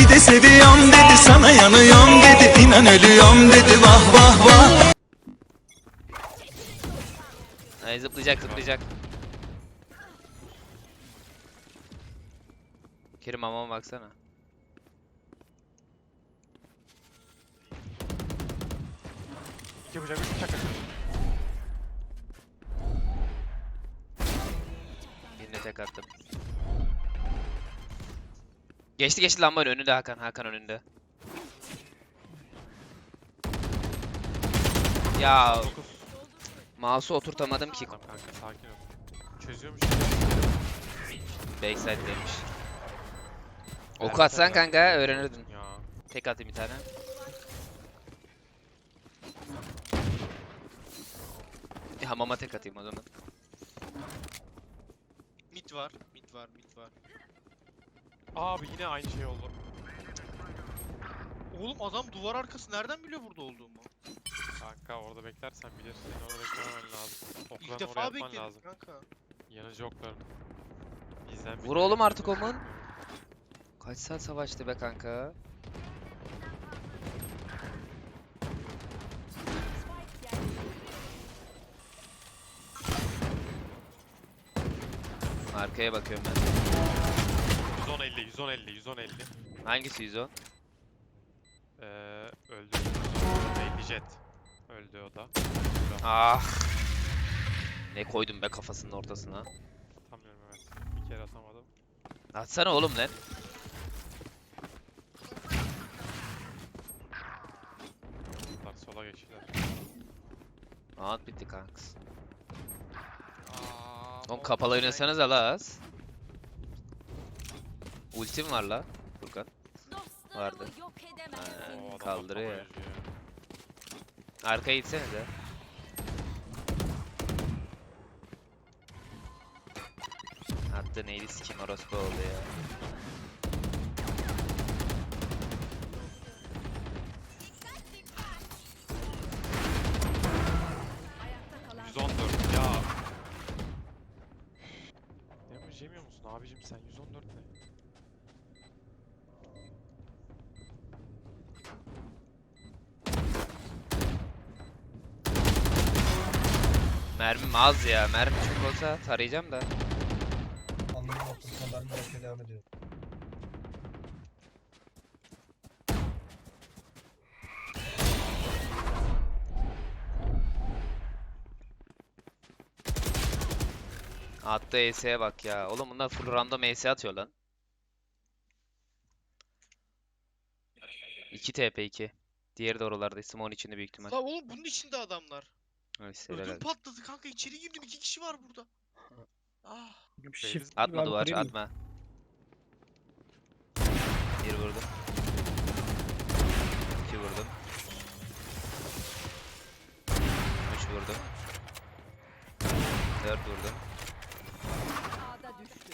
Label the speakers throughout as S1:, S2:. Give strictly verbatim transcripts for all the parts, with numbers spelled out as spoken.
S1: dedi, seviyorum dedi, sana yanıyorum dedi, inan ölüyorum dedi, vah vah vah.
S2: Ay zıplayacak zıplayacak. Kerim amama baksana.
S3: İki bıçak, üç bıçak.
S2: Birine tek attım. Geçti geçti lambanın önünde Hakan. Hakan önünde. Ya
S3: dokuz.
S2: mouse'u oturtamadım ki.
S3: Tamam kanka sakin ol. Çözüyormuş.
S2: Backside'deymiş.
S3: Verdi
S2: Oku atsan
S3: tabii.
S2: kanka öğrenirdin.
S3: Ya.
S2: Tek atayım bir tane. Bir hamama tek atayım o zaman.
S4: Mid var, mid var, mid var.
S3: Abi yine aynı şey oldu.
S4: Oğlum adam duvar arkası nereden biliyor burada olduğumu?
S3: Kanka orada beklersen bilirsin. Seni orada beklememen lazım.
S4: İlk
S3: Oklarını oraya
S4: defa
S3: atman
S4: bekledim
S3: lazım.
S4: kanka.
S3: Yanıcı oklarını. Bizden
S2: Vur
S3: biliyor.
S2: oğlum artık Omun. Kaç saat savaştı be kanka? Arkaya bakıyorum ben.
S3: yüz on elli, yüz on elli, yüz on elli.
S2: Hangisi yüz on?
S3: Ee, öldü. elli jet. Öldü o da.
S2: Ah. Ne koydum be kafasının ortasına.
S3: Atamıyorum evet. Bir kere atamadım.
S2: Atsana oğlum lan.
S3: Bunlar sola geçtiler.
S2: Round bitti kanks.
S4: Aa,
S2: Oğlum
S4: Monty
S2: kapalı
S4: Python.
S2: oynasanız la az. Ultim var la Furkan. Vardı.
S5: Yok edemezsin.
S2: Ha,
S3: Oo, adam
S2: kaldırıyor ya.
S3: atlama yazıyor.
S2: Arkaya gitsenize. Attı neydi sikim orospu oldu ya.
S3: yüz on dört ya. Damage yemiyor musun abicim sen? yüz on dört ne?
S2: Mermim az ya. Mermi çok olsa tarayacağım da.
S6: Anlamı noktasına ben bırakmaya devam ediyorum.
S2: Attı E S'ye bak ya. Oğlum bunlar full random E S atıyor lan. iki T P iki. Diğeri de oralarda. Simon içinde büyük ihtimal.
S4: La oğlum bunun içinde adamlar.
S2: Neyse
S4: Ödüm
S2: helal.
S4: patladı kanka, içeri girdim, iki kişi var burada. Ah.
S6: Shift
S2: Atma
S6: abi,
S2: duvar
S6: kırayım mı?
S2: atma. Bir vurdum. İki vurdum. Üç vurdum. Dört vurdum.
S5: Ağda düştü.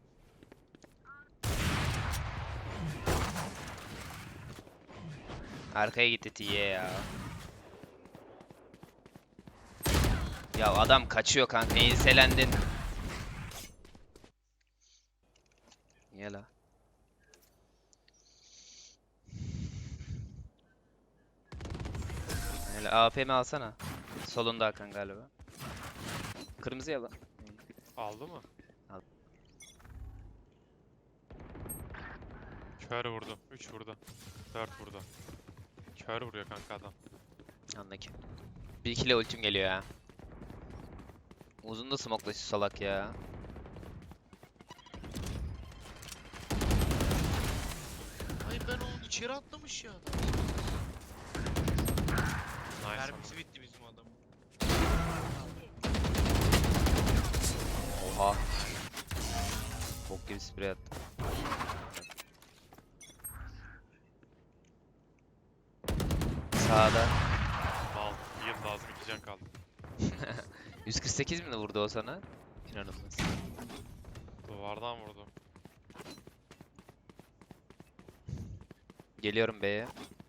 S2: Arkaya gitti T'ye ya. Ya adam kaçıyor kanka. Enselendin. Niye la? Hele A P mi alsana? Solunda Hakan galiba. Kırmızı ya lan.
S3: Aldı mı?
S2: Al.
S3: Kör vurdu. üç vurdu. dört vurdu. Kör vuruyor kanka adam.
S2: Anla ki. Bir ikili ultim geliyor ya. Uzun da smoke'la şu salak ya.
S4: Hayır, ben onu içeri atlamış ya adam.
S3: Nice.
S4: Mermisi bitti bizim adam.
S2: Oha. Bok gibi sprey attı. Sağda.
S3: Mal. Yıl lazım iki can kaldı.
S2: yüz kırk sekiz mi vurdu o sana? İnanılmaz.
S3: Duvardan vurdu.
S2: Geliyorum B'ye.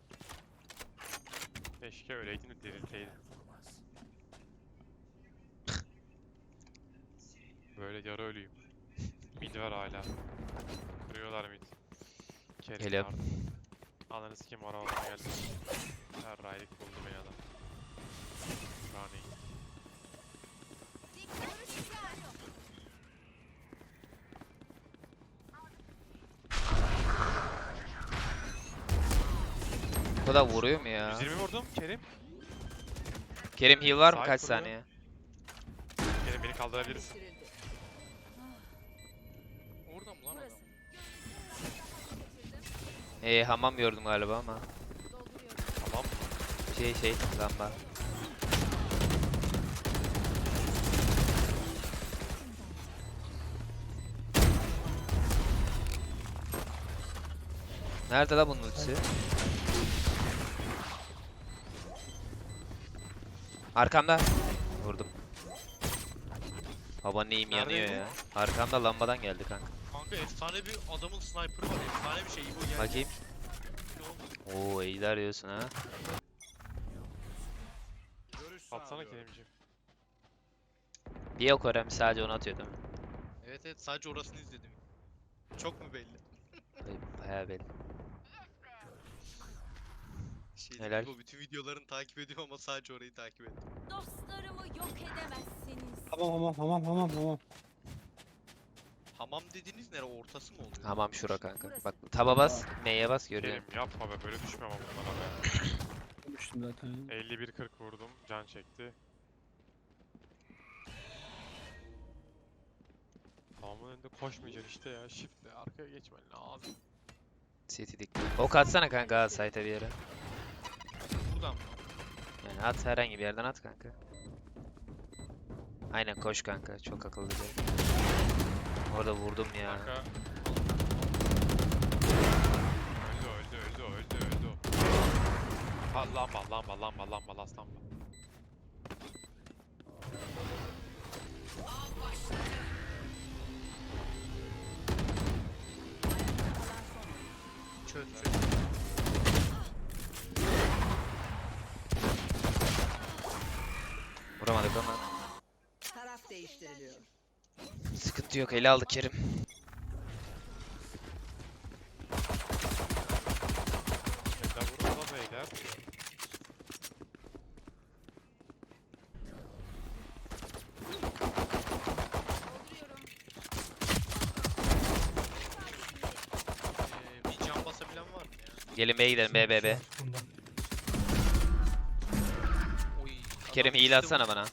S3: Keşke öyleydin de dirilteydin. Böyle yarı ölüyüm. Mid var hala. Kırıyorlar mid. Kerim
S2: Geliyorum.
S3: vardı. Ananı sikeyim ara alana geldi. Her raylık buldu beni adam. Rani.
S2: Bu da vuruyor mu ya?
S3: yüz yirmi vurdum Kerim.
S2: Kerim heal var mı?
S3: Sahip
S2: Kaç
S3: vuruyor.
S2: saniye?
S3: Kerim beni kaldırabilirsin.
S5: Değiştirildi.
S4: Oradan mı lan adam?
S2: Ee, hamam gördüm galiba ama.
S3: Tamam.
S2: Şey şey lamba. Nerede la bunun ultisi? Arkamda. Vurdum. Baba neyim yanıyor
S3: Neredeydi?
S2: ya. Arkamda lambadan geldi kanka.
S4: Kanka efsane bir adamın sniper'ı var. Efsane bir şey. Bu gel.
S2: Bakayım.
S4: Ne oldu?
S2: Oo iyiler diyorsun ha.
S3: Atsana Kerimciğim.
S2: Bir yok öğrenmiş sadece onu atıyor değil mi?
S4: Evet evet sadece orasını izledim. Çok mu belli?
S2: Ay, bayağı belli.
S4: Şey
S2: Helal.
S4: değil, o bütün videolarını takip ediyor ama sadece orayı takip ediyor.
S5: Dostlarımı yok edemezsiniz.
S6: Tamam tamam tamam tamam tamam.
S4: Hamam dediğiniz nere? Ortası mı oluyor?
S2: Hamam şura kanka. Bak taba bas, M'ye bas görüyorum.
S3: Kerim yapma be böyle düşmem ama bunlara be.
S6: Konuştum zaten.
S3: elli bir kırk vurdum. Can çekti. Tamamın önünde koşmayacaksın işte ya. Shift'le arkaya geçmen lazım.
S2: City dik. Ok atsana kanka ha, site'e bir yere.
S4: Buradan mı?
S2: Yani at herhangi bir yerden at kanka. Aynen koş kanka. Çok akıllıca. Orada vurdum ya.
S3: Kanka. Öldü öldü öldü öldü öldü. Ha, lamba lamba lamba lamba last lamba.
S4: Çöz çöz.
S2: Vuramadık ama.
S5: Taraf değiştiriliyor.
S2: Sıkıntı yok. Ele aldık Kerim.
S3: Eller vurun da beyler.
S4: Ee, bir can basabilen var mı ya?
S2: Gelin B'ye gidelim. B B B.
S6: Bunda.
S4: Oy.
S2: Kerim
S4: adam
S2: heal
S4: işte
S2: atsana
S4: bu.
S2: bana.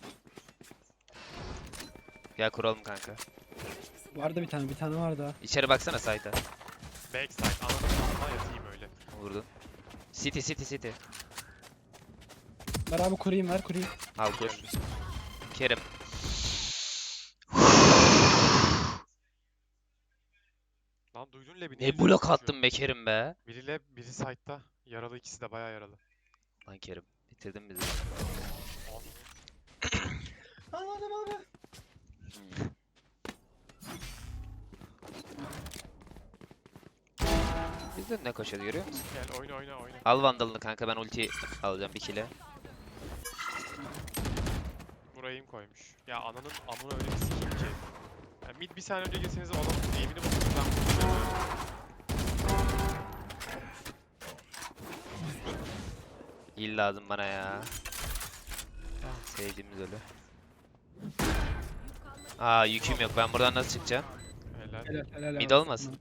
S2: Gel kuralım kanka.
S6: Vardı bir tane bir tane var daha.
S2: İçeri baksana site'a.
S3: Backside ananı alma yatayım öyle.
S2: Vurdum. City city city.
S6: Ver abi kurayım ver kurayım.
S2: Al kur. Kerim.
S3: Lan duydun Lebi.
S2: Ne blok attın be Kerim be.
S3: Biri lab, biri side'da. Yaralı ikisi de bayağı yaralı.
S2: Lan Kerim. Bitirdin bizi.
S6: Anladım abi.
S2: Bizde ne koşuyor görüyor musun?
S3: Gel oyna oyna oyna.
S2: Al vandalını kanka, ben ulti alacağım bir kile.
S3: Buraya im koymuş. Ya ananın amına öyle bir sikeyim ki. Ya mid bir saniye önce girseniz o adamın aim'ini bozulur ben bunu
S2: Heal lazım bana ya. Sevdiğimiz ölü. Aa yüküm yok, ben buradan nasıl çıkacağım?
S3: Helal.
S6: Helal helal.
S2: Mid
S6: abi.
S2: olmasın.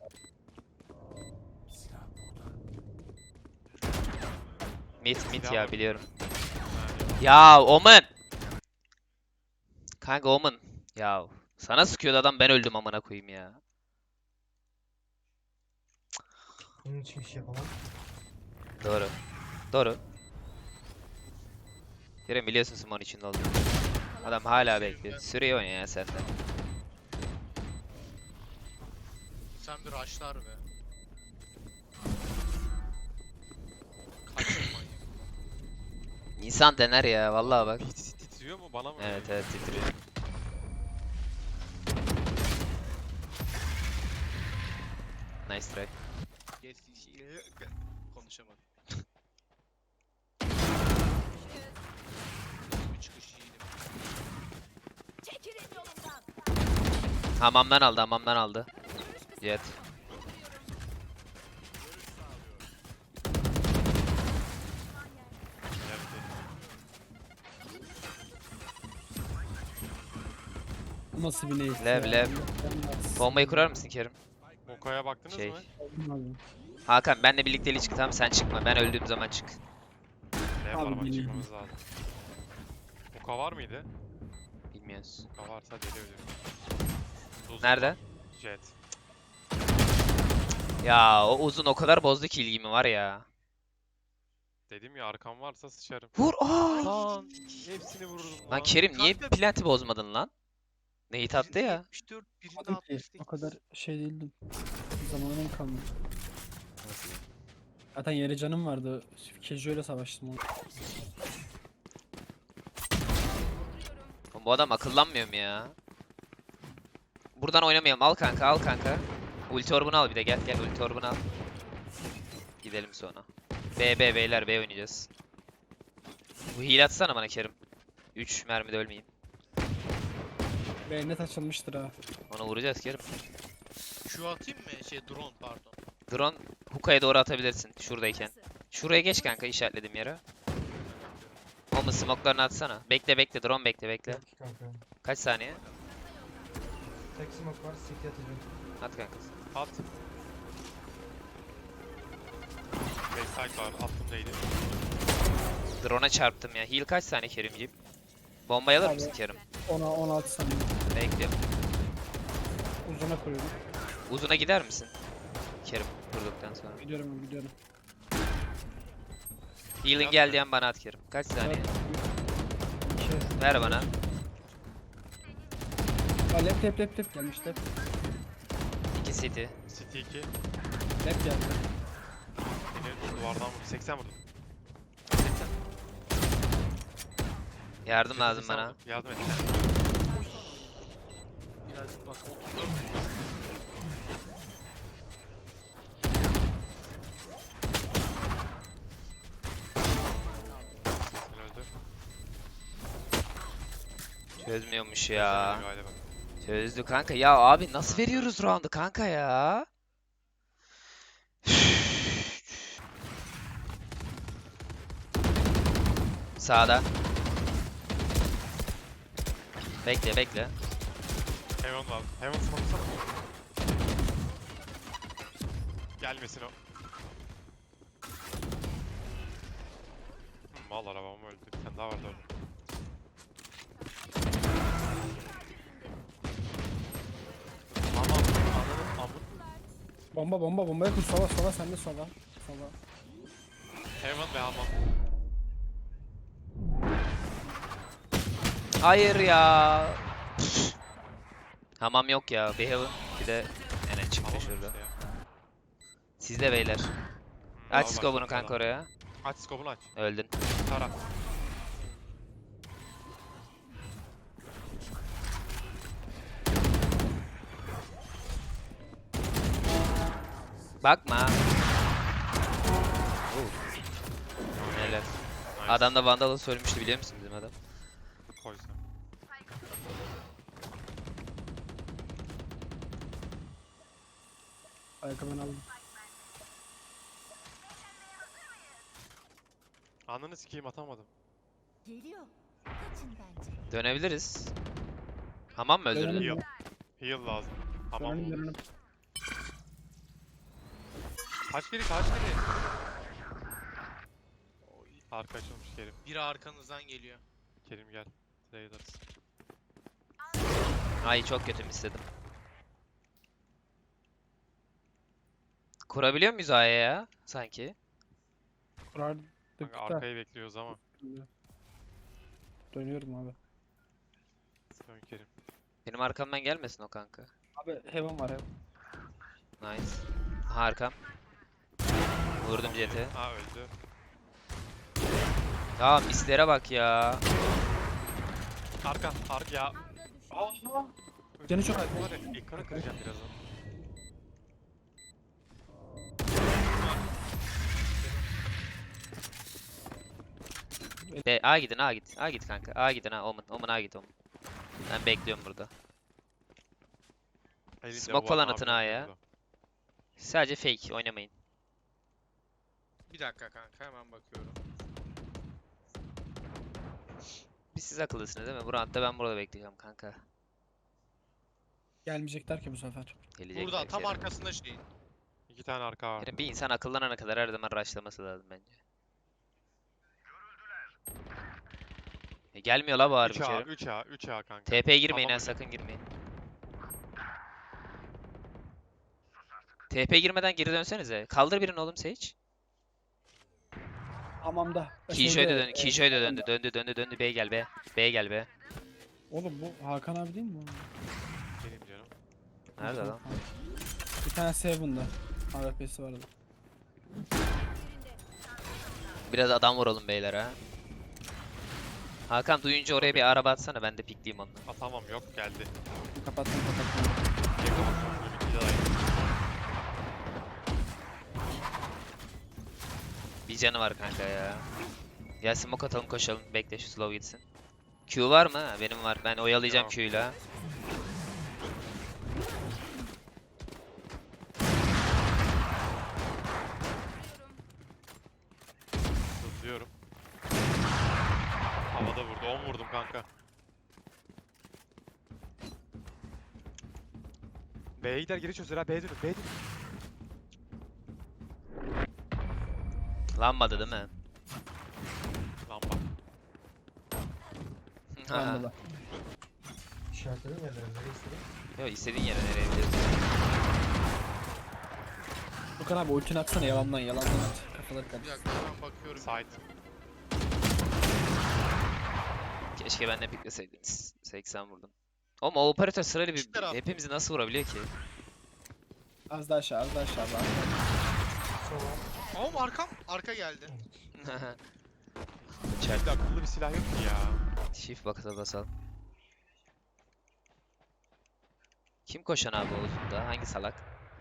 S2: Mid mid
S3: Silah
S2: ya
S3: var.
S2: biliyorum.
S3: Yani
S2: Ya Omen. Kanka Omen. Ya sana sıkıyordu adam, ben öldüm amına koyayım ya.
S6: Bunun için bir şey yapamam.
S2: Doğru. Doğru. Kerem biliyorsun Simon içinde olduğunu. Adam hala bekliyor. Süreyi oyna ya sen de.
S4: Sen bir rushlar be. Kaçın manyak.
S2: İnsan dener ya vallahi bak.
S3: hiç titriyor mu bana mı?
S2: Evet evet titriyor. Nice try.
S4: Geç şey. Konuşamadım. Bir çıkış iyiydi.
S5: Çekilin yolumdan.
S2: Hamamdan aldı, hamamdan aldı. Jet.
S6: Bu nasıl bir neyse
S2: Lev,
S6: ya.
S2: lev.
S6: Ben-
S2: Bombayı kurar mısın Kerim?
S3: Moka'ya baktınız
S2: Şey.
S3: mı?
S6: Aldım abi.
S2: Hakan benle birlikte çık, tamam sen çıkma. Ben öldüğüm zaman çık.
S3: Ne
S6: Abi
S3: yapalım ama
S6: bilmiyorum.
S3: çıkmamız lazım. Moka var mıydı?
S2: Bilmiyoruz.
S3: Moka varsa deli ölürüm. Uzun
S2: Nerede?
S3: var. Jet.
S2: Ya o uzun o kadar bozdu ki ilgimi var ya.
S3: Dedim ya arkam varsa sıçarım.
S2: Vur! Aa!
S3: Lan hepsini vururdum lan.
S2: Lan Kerim niye
S4: Kanka-
S2: planti bozmadın lan? Nate attı
S4: Birinde
S2: ya.
S4: yetmiş dört, birinde
S6: Aldım ki,
S4: altmış sekiz.
S6: o kadar şey değildim. Zamanım kalmadı. Zaten yere canım vardı. Casual'e savaştım onu.
S2: Oğlum bu adam akıllanmıyor mu ya? Buradan oynamayalım. Al kanka, al kanka. Ulti orbunu al bir de gel gel ulti orbunu al. Gidelim sonra. B B beyler B oynayacağız. Bu heal atsana bana Kerim. üç mermide ölmeyeyim.
S6: Ve net açılmıştır ha.
S2: Onu vuracağız Kerim.
S4: Şu atayım mı? Şey drone pardon.
S2: Drone hookah'ya doğru atabilirsin şuradayken. Şuraya geç kanka işaretlediğim yere. Olma smoke'larını atsana. Bekle bekle drone bekle bekle.
S6: Kanka.
S2: Kaç saniye?
S6: Tek smoke var, city atacağım.
S2: At kanka.
S3: At. Backside var. Attım neydi?
S2: Drone'a çarptım ya. Heal kaç saniye Kerimciğim? Bombayı alır
S6: Abi.
S2: mısın Kerim?
S6: ona on altı saniye.
S2: Bekliyorum.
S6: Uzuna koyuyorum.
S2: Uzuna gider misin? Kerim vurduktan sonra.
S6: Gidiyorum gidiyorum.
S2: Heal'in gel diyen bana at Kerim. Kaç saniye?
S6: İki.
S2: Ver bana.
S6: Aa, lep lep lep lep gelmiş lep.
S2: iki city.
S3: City iki.
S6: Lep geldi.
S3: Beni duvardan vurdu. seksen vurdu.
S2: Yardım
S3: City
S2: lazım
S3: seksen
S2: bana.
S3: vurdu. Yardım et.
S4: Birazcık bak otuz dört.
S3: Sen öldü.
S2: Çözmüyormuş ya.
S3: Sen öldü galiba.
S2: Çözdü kanka. Ya abi nasıl veriyoruz round'u kanka ya? Sağda. Bekle bekle.
S3: Heaven var. Heaven smoke'sana. Gelmesin o. Hmm, mal arabam öldü. Bir tane daha vardı orada. Aman ananın amın.
S6: Bomba bomba bomba yakın sola sola sende sola. Sola.
S3: Heaven ve hamam.
S2: Hayır ya. Hamam yok ya. Bir heaven. Bir de Enen çıktı
S3: Hamam
S2: şurada.
S3: işte ya.
S2: Sizde beyler.
S3: Hmm,
S2: Aç
S3: al
S2: scope'unu
S3: başla
S2: kanka
S3: falan.
S2: oraya.
S3: Aç scope'unu aç.
S2: Öldün.
S3: Tara.
S2: Bakma. Neler.
S3: Nice.
S2: Adam da Vandal'ı söylemişti biliyor musun bizim adam?
S3: Koysun.
S6: Ayakkabını aldım.
S3: Ananı sikeyim atamadım.
S5: Geliyor. Kaçın bence.
S2: Dönebiliriz. Hamam mı öldürdün?
S6: Dönelim
S3: Heal.
S6: ya.
S3: Heal lazım. Hamam
S6: Dönelim
S3: olur.
S6: dönelim.
S3: Kaç biri kaç biri? Oy, arka açılmış Kerim.
S4: Biri arkanızdan geliyor.
S3: Kerim gel. Trailers.
S2: Ay çok kötü istedim. Kurabiliyor muyuz A'ya ya? Sanki.
S6: Kurardık
S3: Kanka
S6: da.
S3: arkayı bekliyoruz ama.
S6: Dönüyorum abi.
S3: Dön Kerim.
S2: Benim arkamdan gelmesin o kanka.
S6: Abi heaven var heaven.
S2: Nice. Aha arkam. Vurdum jet'e.
S3: Aa öldü.
S2: Ya mislere bak ya.
S3: Arka, arka ya.
S6: Aha. Canı çok az.
S3: Var ya, ekranı kıracağım birazdan.
S2: B, A gidin A git. A git kanka. A gidin ha. Omen. Omen A git Omen. Ben bekliyorum burada.
S3: Elinde
S2: Smoke
S3: bu
S2: falan
S3: var,
S2: atın
S3: abi
S2: ha ya.
S3: burada.
S2: Sadece fake oynamayın.
S4: Bir dakika kanka hemen bakıyorum.
S2: Biz siz akıllısınız değil mi? Bu roundda ben burada bekleyeceğim kanka.
S6: Gelmeyecekler ki bu sefer.
S2: Gelecek
S4: Burada
S2: belki
S4: tam
S2: Kerim.
S4: arkasında şeyin.
S3: İki tane arka var.
S2: Kerim, bir insan akıllanana kadar her zaman rushlaması lazım bence. E, gelmiyor la bu harbi
S3: üç A,
S2: Kerim.
S3: üç A, üç A kanka.
S2: T P'ye girmeyin
S3: Tamam
S2: ha,
S3: hocam.
S2: sakın girmeyin. T P girmeden geri dönsenize. Kaldır birini oğlum Sage.
S6: Hamamda.
S2: Killjoy da
S6: Şeyde,
S2: döndü,
S6: e,
S2: Killjoy da döndü,
S6: hamamda.
S2: döndü, döndü, döndü. B'ye gel be. B'ye gel be.
S6: Oğlum bu Hakan abi değil mi? bu?
S3: Benim canım.
S2: Nerede lan?
S6: Bir tane Seven'da. A W P'si vardı.
S2: Biraz adam vuralım beyler ha. Hakan duyunca oraya bir araba atsana, ben de pikleyeyim onu.
S3: Aa, tamam yok geldi.
S6: Kapattım kapattım.
S3: Yakın bakıyorum. Bir daha iyi.
S2: Bir canı var kanka ya. Ya smoke atalım, koşalım. Bekle şu slow gitsin. Q var mı? Ha, benim var. Ben oyalayacağım
S3: Yok.
S2: Q'yla.
S3: Hızlıyorum. Havada vurdu. on vurdum kanka. B'ye gider geri çözer ha. B'ye dönün. B'ye dönün.
S2: Lanmadı değil mi?
S3: Lan bak.
S6: Hamamda.
S7: İşaretledim yerlerine nereye istedim?
S2: Yo, istediğin yere nereye biliyorsun?
S6: Hakan abi ultini atsana yalandan yalandan at. Kafaları
S4: Bir
S6: karıştı.
S4: dakika ben bakıyorum.
S3: Side.
S2: Keşke ben de pikleseydiniz. seksen vurdum. Oğlum o operatör sırayla bir
S4: İki taraf.
S2: hepimizi nasıl vurabiliyor ki?
S6: Az daha aşağı az daha aşağı. Bak.
S7: Sola.
S4: Oğlum arkam. Arka geldi.
S2: Çarp.
S3: Bir de akıllı bir silah yok ki ya.
S2: Shift bakata basal. Kim koşan abi o uzunda? Hangi salak?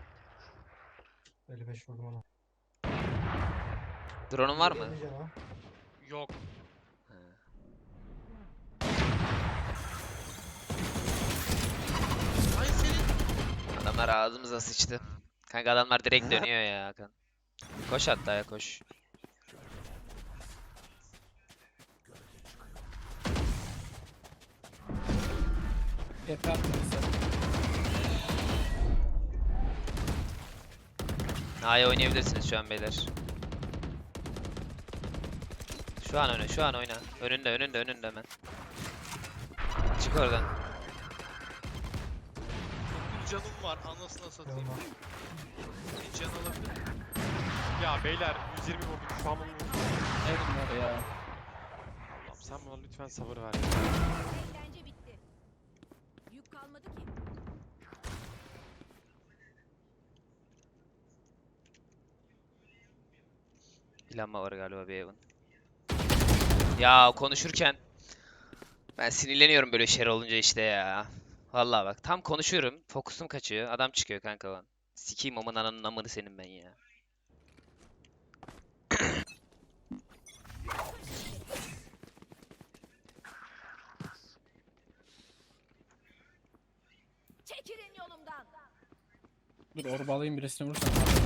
S7: elli beş vurdum ona.
S2: Drone'un var mı?
S7: Yemeyeceğim ha.
S4: Yok.
S2: Ha.
S4: Ay senin.
S2: Adamlar ağzımıza sıçtı. Kanka adamlar direkt dönüyor ya Hakan. Koş hatta ya koş.
S6: T P attı bize.
S2: A'ya oynayabilirsiniz şu an beyler. Şu an oyna, şu an oyna. Önünde, önünde, önünde hemen. Çık oradan.
S4: Bir canım var. Anasına satayım.
S7: Yanıma.
S4: Bir can alabilir.
S3: Ya beyler yüz yirmi vurdum. Şu an onu vurdum.
S6: Ne bunlar ya?
S3: Allah'ım sen bana lütfen sabır ver.
S5: Eğlence bitti. Yük kalmadı ki.
S2: Planma var galiba bir evin. Ya konuşurken ben sinirleniyorum böyle şeyler olunca işte ya. Vallahi bak tam konuşuyorum, fokusum kaçıyor. Adam çıkıyor kanka lan. Sikeyim amın ananın amını senin ben ya.
S5: Çekilin yolumdan.
S6: Dur orba alayım birisini vursam.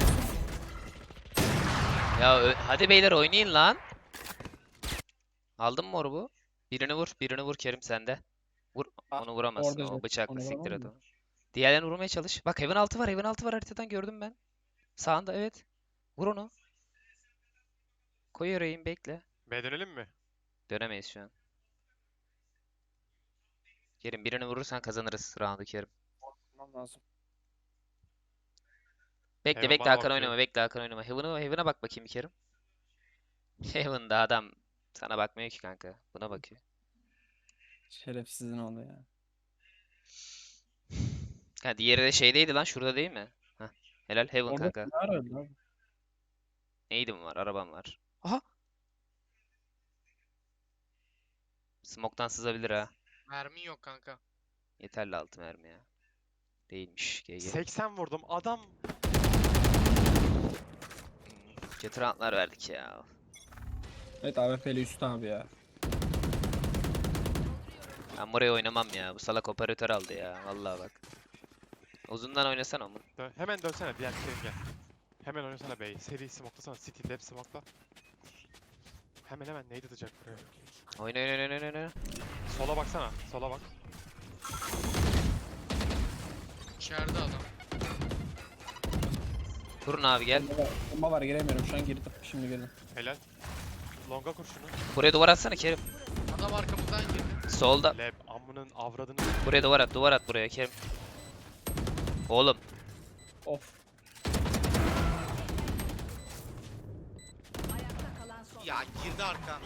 S2: Ya ö- hadi beyler oynayın lan. Aldın mı orbu? Birini vur, birini vur Kerim sende. Vur,
S6: Aa,
S2: onu vuramazsın.
S6: orada
S2: O
S6: zaten,
S2: bıçakla
S6: onu
S2: siktir
S6: vuramam
S2: et
S6: mı?
S2: onu. Diğerlerini vurmaya çalış. Bak Heaven altı var, Heaven altı var haritadan gördüm ben. Sağında evet. Vur onu. Koy yüreğin bekle.
S3: B dönelim mi?
S2: Dönemeyiz şu an. Kerim birini vurursan kazanırız roundu Kerim.
S6: Tamam lazım.
S2: Bekle
S3: Heaven
S2: bekle
S3: bana
S2: Hakan
S3: bakıyor.
S2: oynama, bekle Hakan oynama. Heaven'a Heaven'a bak bakayım bir Kerim. Heaven'da adam sana bakmıyor ki kanka. Buna bakıyor.
S6: Şerefsizin oldu ya.
S2: Ha diğeri de şeydeydi lan, şurada değil mi? Heh. Helal Heaven
S6: Orada
S2: kanka.
S6: ne arıyordu abi?
S2: Neydim var? Arabam var. Aha! Smoke'tan sızabilir ha.
S4: Mermin yok kanka.
S2: Yeterli altı mermi ya. Değilmiş G G.
S3: seksen vurdum. Adam
S2: Hmm, kötü roundlar verdik ya.
S6: Evet A W P'li üst abi ya.
S2: Ben buraya oynamam ya. Bu salak operatör aldı ya. Vallahi bak. Uzundan oynasana onu.
S3: dön. Hemen dönsene diğer Kerim gel. Hemen oynasana B'yi. Seri smoke'lasana. City lab smoke'la. Hemen hemen neydi atacak buraya?
S2: Oyna oyna oyna oyna oyna.
S3: Sola baksana. Sola bak.
S4: İçeride adam.
S2: Kurun abi gel.
S6: Bomba var, bomba var giremiyorum şu an girdim. Şimdi girdim.
S3: Helal. Longa kur şunu.
S2: Buraya duvar atsana Kerim.
S4: Adam arkamızdan girdi.
S2: Solda.
S3: Leb amının avradını.
S2: Buraya duvar at. Duvar at buraya Kerim. Oğlum.
S6: Of.
S5: Ayakta kalan son.
S4: Ya girdi arkan.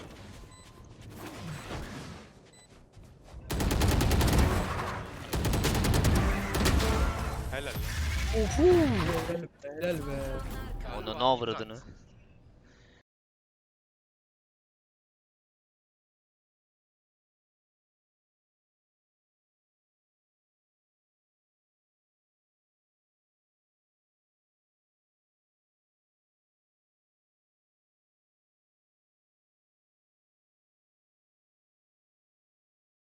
S3: Helal.
S6: Ofu. Helal be. Helal be.
S2: Onu ne avradını.